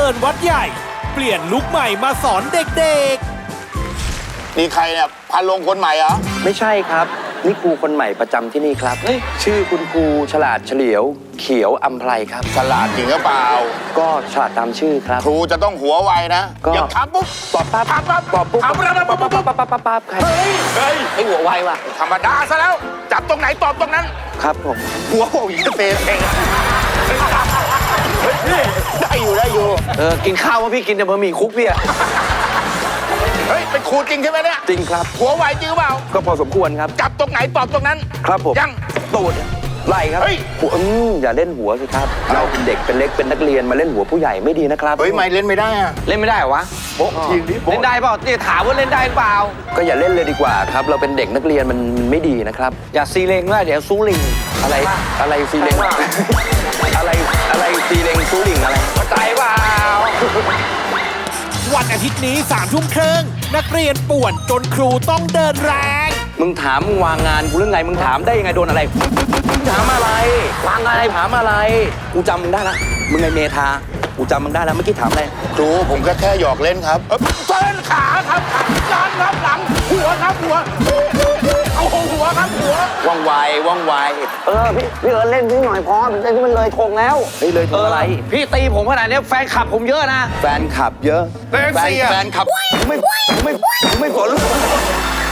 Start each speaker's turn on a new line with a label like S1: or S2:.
S1: ญวัดใหญ่ เปลี่ยนลุคใหม่มาสอนเด็ก
S2: นี่ใครเนี่ยพันลงคนใหม่เหรอ
S3: ไม่ใช่ครับ นี่ครูคนใหม่ประจำที่นี่ครับชื่อคุณครูฉลาดเฉลียว เขียวอัมไพรครับ
S2: ฉลาดจริงหรือเปล่า
S3: ก็ฉลาดตามชื่อครับ
S2: ครูจะต้องหัวไวนะ
S3: ก็
S2: อย่าถามปุ๊บ
S3: ตอบปั๊บ
S2: ถามปั๊บ
S3: ตอบปุ๊บ
S2: ถามปั๊บ
S3: ปั๊บปั๊บปั๊บปั๊บปั๊บปั๊บใคร
S2: เฮ้ย
S3: ให้หัวไวว่ะ
S2: ธรรมดาซะแล้ว จับตรงไหนตอบตรงนั้น
S3: ครับผม
S2: หัวโขกอีกเตะเองได้อยู่ได้อยู่
S3: กินข้าวว่าพี่กินแต่บะหมี่คุกพี่อะ
S2: เฮ้ยเป็นครูจริงใช่ไหมเนี่ย
S3: จริงครับ
S2: หัวไวจริงหรือเปล่า
S3: ก็พอสมควรครับ
S2: จับตรงไหนตอบตรงนั้น
S3: ครับผม
S2: ยัง
S3: ตูดไหล่ครับ
S2: เฮ้ย
S3: หัวอย่าเล่นหัวสิครับ เราเป็นเด็กเป็นเล็กเป็นนักเรียนมาเล่นหัวผู้ใหญ่ไม่ดีนะครับ
S2: เฮ้ยไม่เล่นไม่ได้อะ
S4: เล่นไม่ได้เหรอวะ
S2: โบ๊ะทีนี้
S4: เล่นได้เปล่าเนี่ยถามว่าเล่นได้หรือเปล่า
S3: ก็อย่าเล่นเลยดีกว่าครับ เราเป็นเด็กนักเรียนมันไม่ดีนะครับ
S4: อย่าซีเลงด้วยเดี๋ยวซูลิง
S3: อะไรซีเลงอะไรซีเลงซูลิงอะไร
S4: เข้าใจเปล่า
S1: ๆ วันอาทิตย์นี้3 ทุ่มครึ่งนักเรียนป่วนจนครูต้องเดินแรง
S3: มึงถามมึงวางงานกูเรื่องไงมึงถามได้ยังไงโดนอะไรมึงถามอะไรวางอะไรถามอะไรกูจำมึงได้ละมึงไงเมธากูจำมึงได้แล้วเมื่อกี้ถามอะไร
S2: ครูผมก็แค่หยอกเล่นครับเต้นขาครับยันครับหลังหัวครับหัวเอาหัวครับหัว
S3: ว่องไวว่องไว
S4: พี่เอิร์ธเล่นพี่หน่อยพอมันมันเลยทงแล้ว
S3: เฮ้ยเลยถึงอะไร
S4: พี่ตีผมขนาดนี้แฟนคลับผมเยอะนะ
S3: แฟนขับเยอะ
S2: แฟนเสีย
S3: แฟนขับไม่ฝน